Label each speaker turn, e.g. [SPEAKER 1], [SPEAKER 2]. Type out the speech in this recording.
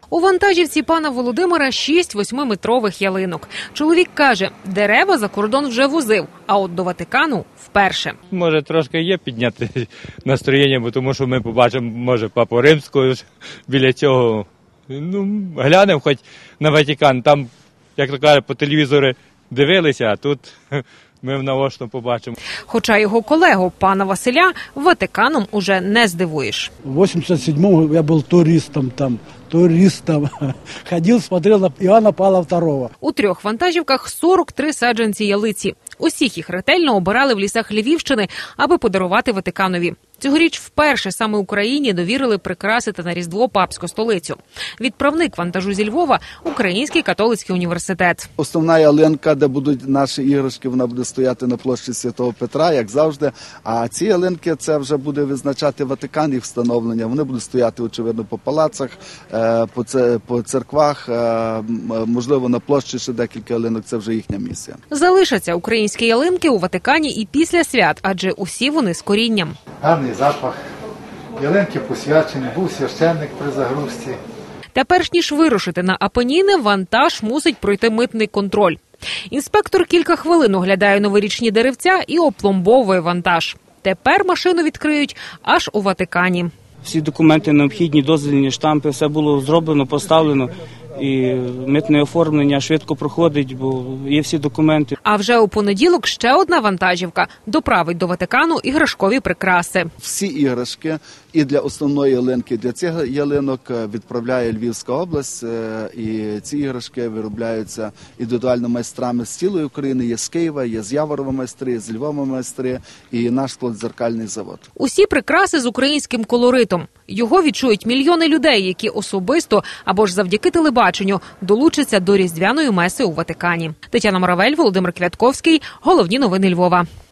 [SPEAKER 1] У вантажівці пана Володимира 6 8-метрових ялинок. Чоловік каже, дерева за кордон вже возив, а от до Ватикану – вперше.
[SPEAKER 2] Може, трошки є підняти настроєння, бо тому що ми побачимо, може, Папу Римського біля цього. Глянемо хоч на Ватикан. Там, як то кажуть, по телевізору дивилися, а тут ми наочно побачимо.
[SPEAKER 1] Хоча його колегу, пана Василя, Ватиканом уже не здивуєш.
[SPEAKER 3] В 87-му я був туристом там. Ходив, смотрел на Иоанна Павла II.
[SPEAKER 1] У 3 вантажівках 43 саджанці ялиці. Усіх їх ретельно обирали в лісах Львівщини, аби подарувати Ватиканові. Цьогоріч вперше саме Україні довірили прикрасити на Різдво папську столицю. Відправник вантажу зі Львова – Український католицький університет.
[SPEAKER 4] Основна ялинка, де будуть наші іграшки, вона буде стояти на площі Святого Петра, як завжди. А ці ялинки, це вже буде визначати Ватикан, їх встановлення. Вони будуть стояти, очевидно, по палацах, по церквах, можливо, на площі ще декілька ялинок, це вже їхня місія.
[SPEAKER 1] Залишаться українські ялинки у Ватикані і після свят, адже усі вони з корінням.
[SPEAKER 5] Гарний запах, ялинки посвячені, був священник при загрузці.
[SPEAKER 1] Та перш ніж вирушити на Апеніни, вантаж мусить пройти митний контроль. Інспектор кілька хвилин оглядає новорічні деревця і опломбовує вантаж. Тепер машину відкриють аж у Ватикані.
[SPEAKER 6] Всі документи необхідні, дозвільні штампи, все було зроблено, поставлено. І митне оформлення швидко проходить, бо є всі документи.
[SPEAKER 1] А вже у понеділок ще одна вантажівка доправить до Ватикану іграшкові прикраси.
[SPEAKER 4] Всі іграшки і для основної ялинки, і для цих ялинок відправляє Львівська область. І ці іграшки виробляються індивідуально майстрами з цілої України. Є з Києва, є з Яворова майстри, є з Львова майстри і наш складзеркальний завод.
[SPEAKER 1] Усі прикраси з українським колоритом. Його відчують мільйони людей, які особисто або ж завдяки телебаченню долучаться до Різдвяної меси у Ватикані. Тетяна Моравель, Володимир Квятковський. Головні новини Львова.